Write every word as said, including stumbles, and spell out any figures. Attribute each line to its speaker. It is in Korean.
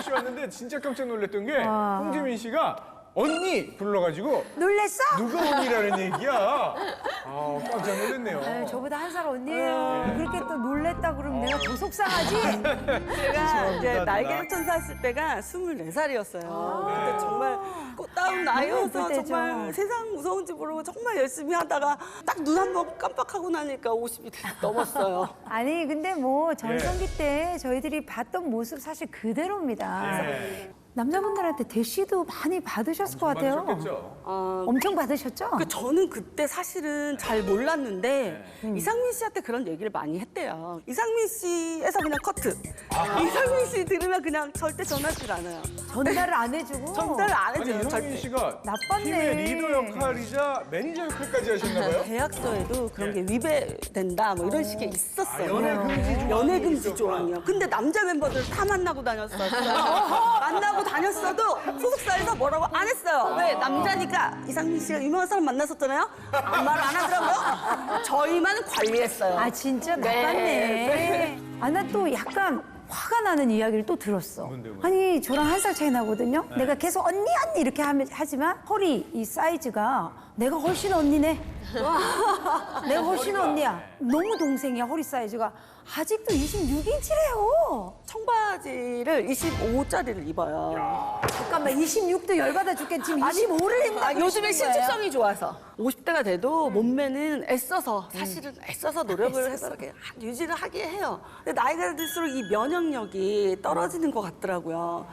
Speaker 1: 홍지민 씨 왔는데 진짜 깜짝 놀랐던 게
Speaker 2: 와.
Speaker 1: 홍지민 씨가 언니 불러가지고
Speaker 2: 놀랬어?
Speaker 1: 누가 언니라는 얘기야. 아 깜짝 놀랐네요.
Speaker 2: 아유, 저보다 한 살 언니예요. 그렇게 또 놀랬다 그러면 내가 더 속상하지?
Speaker 3: 제가 이제
Speaker 1: 누나.
Speaker 3: 날개를 천사 했을 때가 스물네 살이었어요. 근데 정말 꽃다운 나이여서
Speaker 2: 예쁠 때죠.
Speaker 3: 정말 세상 무서운지 모르고 정말 열심히 하다가 딱 눈 한 번 깜빡하고 나니까 오십이 넘었어요.
Speaker 2: 아니 근데 뭐 전성기 때 저희들이 봤던 모습 사실 그대로입니다.
Speaker 1: 예.
Speaker 2: 남자분들한테 대시도 많이 받으셨을 것 같아요.
Speaker 1: 받으셨겠죠.
Speaker 3: 아,
Speaker 2: 엄청 받으셨죠?
Speaker 3: 그 저는 그때 사실은 잘 몰랐는데 이상민 씨한테 그런 얘기를 많이 했대요. 이상민 씨에서 그냥 커트. 이상민 씨 들으면 그냥 절대 전화질 않아요.
Speaker 2: 전달을 안 해주고.
Speaker 3: 전달을 안
Speaker 1: 아니
Speaker 3: 해줘요.
Speaker 1: 이성민
Speaker 3: 절대.
Speaker 1: 씨가
Speaker 2: 나빴네.
Speaker 1: 팀의 리더 역할이자 매니저 역할까지 하셨나봐요.
Speaker 3: 계약서에도 그런 게 위배된다 뭐 이런 식의 있었어요.
Speaker 1: 연애 금지 조항이
Speaker 3: 연애 금지
Speaker 1: 있었구나.
Speaker 3: 조항이요. 근데 남자 멤버들 다 만나고 다녔어요. 만나고 다녔어도 소속사에서 뭐라고 안 했어요. 왜? 남자니까 이상민 씨가 유명한 사람 만났었잖아요. 아무 말 안 하더라고요. 저희만 관리했어요.
Speaker 2: 아 진짜
Speaker 3: 네.
Speaker 2: 나빴네. 아 나 또 약간 화가 나는 이야기를 또 들었어.
Speaker 1: 뭔데, 뭔데?
Speaker 2: 아니 저랑 한 살 차이 나거든요. 내가 계속 언니 언니 이렇게 하면 하지만 허리 이 사이즈가 내가 훨씬 언니네. 내가 훨씬 언니야. 너무 동생이야 허리 사이즈가. 아직도 이십육 인치래요.
Speaker 3: 청바지를 이십오짜리를 입어요.
Speaker 2: 잠깐만 이십육도 열받아 죽겠지. 지금 이십오를 입는다.
Speaker 3: 아, 요즘에 신축성이 좋아서 오십 대가 돼도 몸매는 애써서 사실은 애써서 노력을 해서 이렇게 유지를 하게 해요. 근데 나이가 들수록 이 면역력이 떨어지는 것 같더라고요.